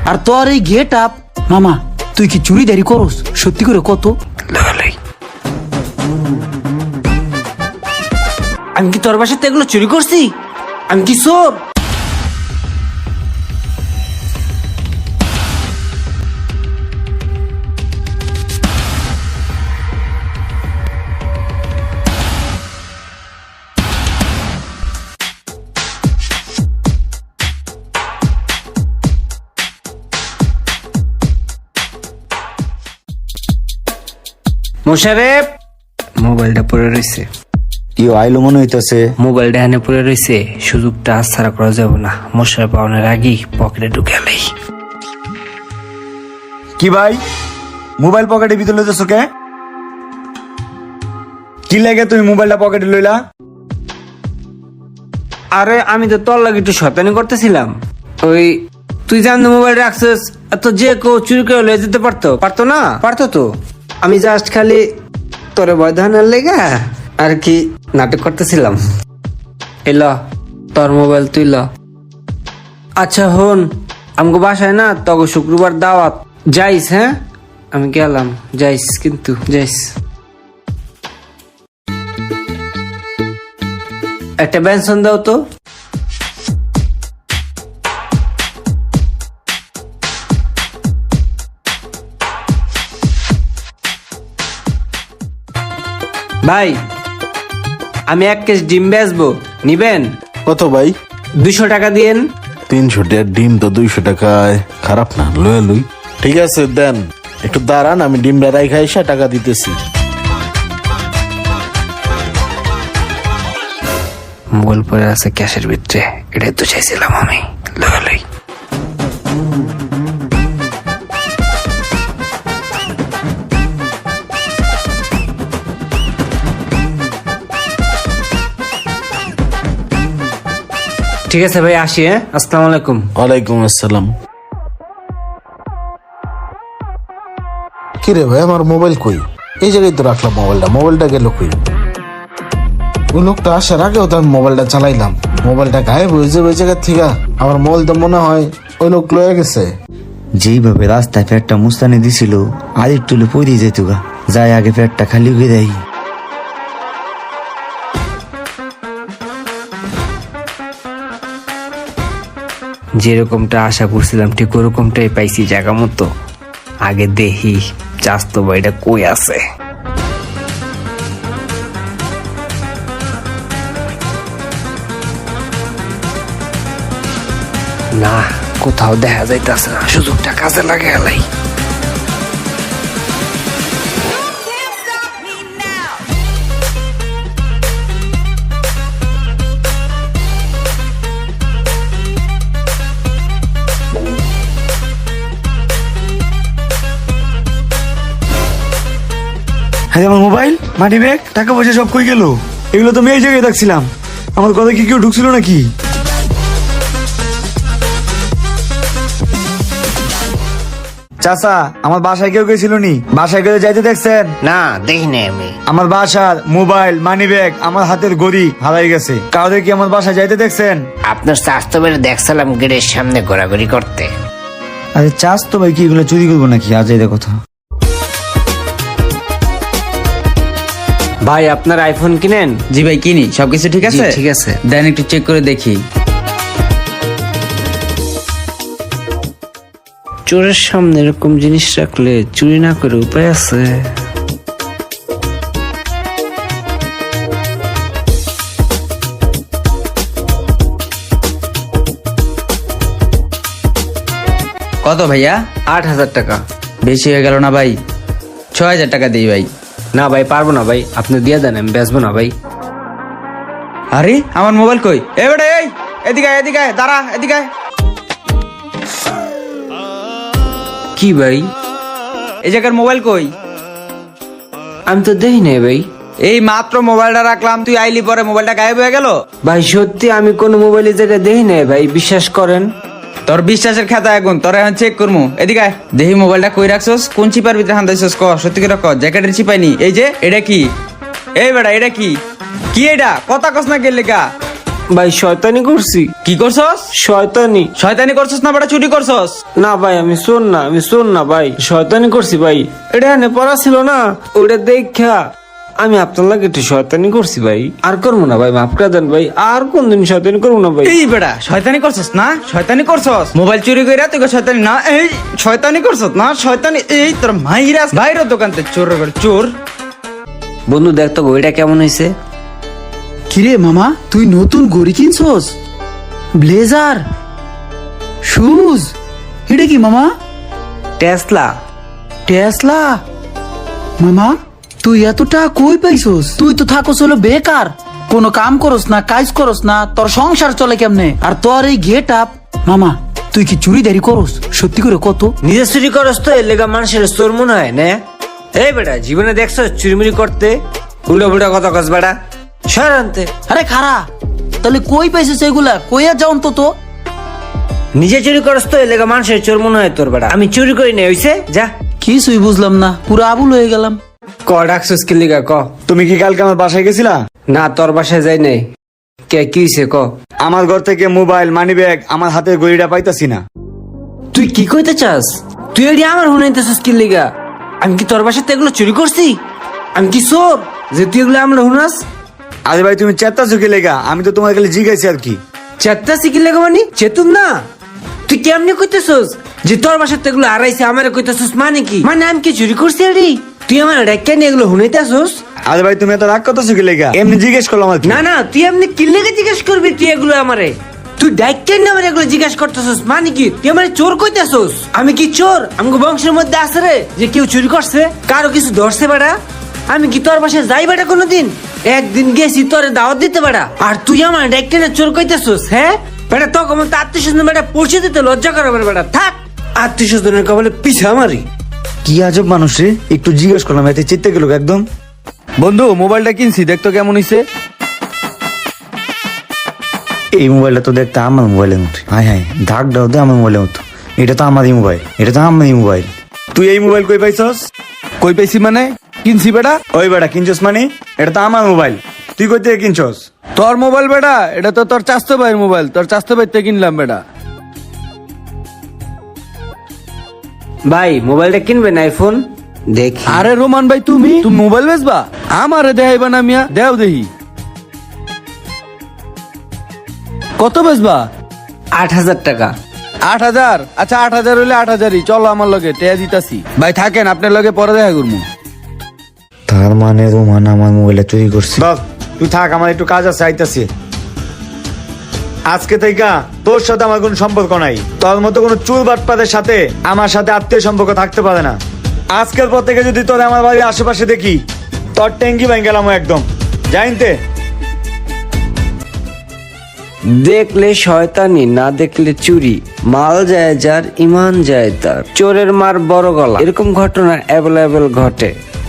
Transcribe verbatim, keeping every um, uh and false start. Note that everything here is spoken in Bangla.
আর তোর এই গেট আপ, মামা তুই কি চুরি দাঁড়ি করস? সত্যি করে কত? আমি কি তোর বাসাতে এগুলো চুরি করছি? আমি কি চোর? মোশারেফ, মোবাইলটা পড়ে রয়েছে। কি আইলো মনে হইতেছে? মোবাইলটা এনে পড়ে রয়েছে, সুযোগটা হাতছাড়া করা যাবে না। মোশারেফ পাওয়ার আগেই পকেটে ঢুকালেই। কি ভাই, মোবাইল পকেটে ভিতরে লইতেছো কে? কি লাগে তুমি মোবাইলটা পকেটে লইলা? আরে আমি তো তোর লাগে একটু শয়তানি করতেছিলাম। ওই তুই জানতো মোবাইল রাখছিস, এত যে কেউ চুরি করে লয়ে যেতে পারতো? পারতো না? পারতো তো। আমি জাস্ট খালি তোরে ভয় দেখানোর লেগা আর কি নাটক করতেছিলাম। এল তোর মোবাইল তুই ল। আচ্ছা হন, আমাকে বাসায় না তখন শুক্রবার দাওয়াত, যাইস? হ্যাঁ আমি গেলাম, যাইস কিন্তু যাইস। একটা বেনসন দাও তো। ভাই আমি এক কেজি ডিম বেচবো, নিবেন? কত ভাই? দুইশো টাকা দিয়েন। তিনশো টাকার ডিম তো দুইশো টাকায় খারাপ না, লয়ে লুই। ঠিক আছে দেন, একটু দাঁড়ান, আমি ডিমটা রাইখা এসে টাকা দিতেছি। মোবাইল পরে আছে ক্যাশের ভিতরে, এটাই তো চাইছিলাম আমি। লয়ে লই। ঠিক আছে ভাই, আসি। হ্যাঁ আসসালামু আলাইকুম। ওয়ালাইকুম আসসালাম। কি রে ভাই, আমার মোবাইল কই? এই জায়গায় তো রাখলাম মোবাইলটা, মোবাইলটা গেল কই? ওই লোকটা আসার আগেও তো আমি মোবাইলটা চালাইলাম, মোবাইলটা গায়েব হয়েছে ওই জায়গার থেকে। আমার মোবাইল তো মনে হয় ওই লোক লয়ে গেছে। যেইভাবে রাস্তায় পেটটা মুস্তানি দিছিল, আর একটু পড়ে যেত গা, যাই আগে পেটটা খালি হয়ে দেয়। যেরকমটা আশা করছিলাম ঠিক ওরকমটাই পাইছি জায়গা মতো। আগে দেখি চাস্তো ভাইটা কই আছে। না, কোথাও দেখা যাইতেছে না, সুযোগটা কাজে লাগে এলাই। হ্যাঁ, আমার মোবাইল, মানি ব্যাগ, টাকা পয়সা সব কই গেল? এগুলো তো আমি এই জায়গায় দেখছিলাম। আমার কথা কি কেউ ঢুকছিল নাকি? চাচা, আমার বাসায় কেউ গেছিল নি? বাসায় গেলে যাইতে দেখছেন? না দেখি নাই আমি। আমার বাসার মোবাইল, মানি ব্যাগ, আমার হাতের ঘড়ি হারাই গেছে। কাউকে কি আমার বাসায় যাইতে দেখছেন? আপনার স্বাস্থ্য বেড়ে দেখছিলাম গেটের সামনে ঘোরাঘুরি করতে। আরে চাষ তো ভাই, কি এগুলো চুরি করবো নাকি? আজ এই কথা। ভাই আপনার আইফোন কিনেন? জি ভাই কিনি, সবকিছু ঠিক আছে? ঠিক আছে, দেন একটু চেক করে দেখি। চোরের সামনে এরকম জিনিস রাখলে চুরি না করে উপায় আছে? কত ভাইয়া? আট হাজার টাকা। বেশি হয়ে গেল না ভাই? ছয় হাজার টাকা দিই ভাই। না ভাই পারবো না ভাই, আপনি দিয়ে দেন, আমি বেচবো না ভাই। আরে আমার মোবাইল কই? এ বেটা এই, এদিকে আয়, এদিকে আয়, দাঁড়া, এদিকে আয়। কি ভাই, এই জায়গার মোবাইল কই? আমি তো দেখি নাই ভাই। এই মাত্র মোবাইলটা রাখলাম, তুই আইলি পরে মোবাইলটা গায়েব হয়ে গেল। ভাই সত্যি আমি কোনো মোবাইলের জায়গায় দেখি নাই ভাই, বিশ্বাস করেন। তোর বিশ্বাসের খাতা এখন তোর এখন চেক করবো। এদিকে আয়, দেখি মোবাইলটা কই রাখছস, কোন চিপার ভিতরে হান্দাইছস, ক সত্যি করে ক। জ্যাকেটের চিপাইনি? এই যে এটা কি? এই বেটা এটা কি? কি এটা? কথা কস না গেলে কা? ভাই শয়তানি করছি। কি করছস? শয়তানি। শয়তানি করছস না বেটা চুরি করছস? না ভাই আমি শোন না আমি শোন না ভাই শয়তানি করছি ভাই। এটা এনে পড়া ছিল না, ওটা দেখা আমি আপনার লাগে একটু শয়তানি করছি ভাই। আর করবো না ভাই, মাফ করে দেন ভাই, আর কোনদিন শয়তানি করবো না ভাই। এই বেটা শয়তানি করছস না? শয়তানি করছস? মোবাইল চুরি কইরা তুই শয়তানি না? এই শয়তানি করছস না? শয়তানি এই তোর মাইরা বাইরের দোকানতে চোর করে চোর। বন্ধু দেখ তো ঘড়িটা কেমন হয়েছে। কিরে মামা তুই নতুন ঘড়ি কিনছস? ব্লেজার, শুজ, এটা কি মামা? টেসলা। টেসলা? মামা তুই এতটা কই পাইছস? তুই তো থাকস হলো বেকার, কোনো কাম করস না, কাজ করস না, তোর সংসার চলে কেমনে? আর তোর এই গেট আপ, মামা তুই কি চুরিদারি করস? সত্যি করে কত? নিজে চুরি করস তো এর লেগা মানুষের চোর মনে হয় না? এই বেটা জীবনে দেখছো চুরিমুরি করতে? উল্টো বুড়া কথা কস বেটা, সর আনতে। আরে খারা, তাহলে কই পাইছিস এগুলা? কইয়া যাও অন্তত। নিজে চুরি করস তো এর লেগা মানুষের চোর মনে হয় তোর বেটা। আমি চুরি করি না, হইছে যা। কিছুই বুঝলাম না, পুরো আবুল হয়ে গেলাম। ক ডাকছিস কি লিগা ক? তুমি কি কালকে আমার বাসায় গেছিলা? না তোর বাসায় যাই নাই। কে কি হইছে ক? আমার ঘর থেকে মোবাইল, মানি ব্যাগ, আমার হাতের ঘড়িটা পাইতাছি না। তুই কি কইতে চাস? তুই এটি আমার হুনাইতেছিস কি লিগা? আমি কি তোর বাসাতে এগুলো চুরি করছি? আমি কি চোর যে তুই এগুলো আমরা হুনাস? আরে ভাই তুমি চেতা চুকি লেগা, আমি তো তোমার খালি জিজ্ঞাসি আর কি। চেত্তা শিখি লেগা মানে চেতুন না। তুই কেমনি কইতেছস যে তোর বাসাতে এগুলো হারাইছে আমারে কইতেছস মানে কি? মানে আমি কি চুরি করছি এটি? তুই আমার ডাক্কা নিয়ে এগুলো হুনাইতেছস? আরে ভাই তুমি এত রাগ কত চুকি লেগা? এমনি জিজ্ঞেস করলাম আর কি। না না তুই এমনি কি লেগে জিজ্ঞেস করবি তুই এগুলো আমারে? তুই ডাক্কা নিয়ে আমার এগুলো জিজ্ঞাসা করতেছস মানে কি? তুই আমারে চোর কইতেছস? আমি কি চোর? আমাকে বংশের মধ্যে আছে রে যে কেউ চুরি করছে, কারো কিছু ধরছে বেটা? আমি কি তোর বাসায় যাই বেটা কোনোদিন? একদিন গেছি তোরে দাওয়াত দিতে বেটা, আর তুই আমার ডাক্কা নিয়ে চোর কইতেছস? হ্যাঁ বেটা তখন তো আত্মীয় স্বজন বেটা পৌঁছে দিতে লজ্জা করে বেটা। থাক আত্মীয় স্বজনের কবলে পিছা মারি। কি আজব মানুষ রে, একটু জিজ্ঞেস করলাম এতে চিত্তে গেল একদম। বন্ধু মোবাইলটা কিনছি, দেখতো কেমন হইছে। এই মোবাইলটা তো দেখতে আমার মোবাইলের মতো। হাই হাই ধাক দাও দে আমার মোবাইলের মতো। এটা তো আমারই মোবাইল, এটা তো আমারই মোবাইল। তুই এই মোবাইল কই পাইছস? কই পাইছি মানে? কিনছি বেটা। ওই বেটা কিনছস মানে? এটা তো আমার মোবাইল, তুই কই থেকে কিনছস? তোর মোবাইল বেটা? এটা তো তোর চাস্তো ভাইয়ের মোবাইল, তোর চাস্তো ভাই থেকে কিনলাম বেটা। ভাই মোবাইলটা কিনবেন আইফোন? দেখি। আরে রোমান ভাই তুমি তুমি মোবাইল বেচবা? আমারে দেখাইবা না মিয়া, দেও দেখি কত বেচবা? আট হাজার টাকা। আট হাজার? আচ্ছা আট হাজার হইলে আট হাজারই চলো আমার লগে, টেয়া দিতাছি। ভাই থাকেন, আপনার লগে পরে দেখা করবো। তার মানে রোমান আমার মোবাইলটা চুরি করছে। বাপ তুই থাক, আমার একটু কাজ আছে, আইতাছি। আজকে থেকে তোর সাথে আমার কোনো সম্পর্ক নাই। তোর মতো কোনো চুল বাটপাদের সাথে আমার সাথে আত্মীয় সম্পর্ক থাকতে পারে না। আজকের পর থেকে যদি তোর আমার বাড়ির আশেপাশে দেখি, তোর ট্যাঙ্কি ভাঙ গেলাম একদম, জানতে। দেখলে শয়তানি, না দেখলে চুরি। মাল যায় যার, ইমান যায় তার। চোরের মার বড় গলা, এরকম ঘটনা অ্যাভেলেবেল ঘটে।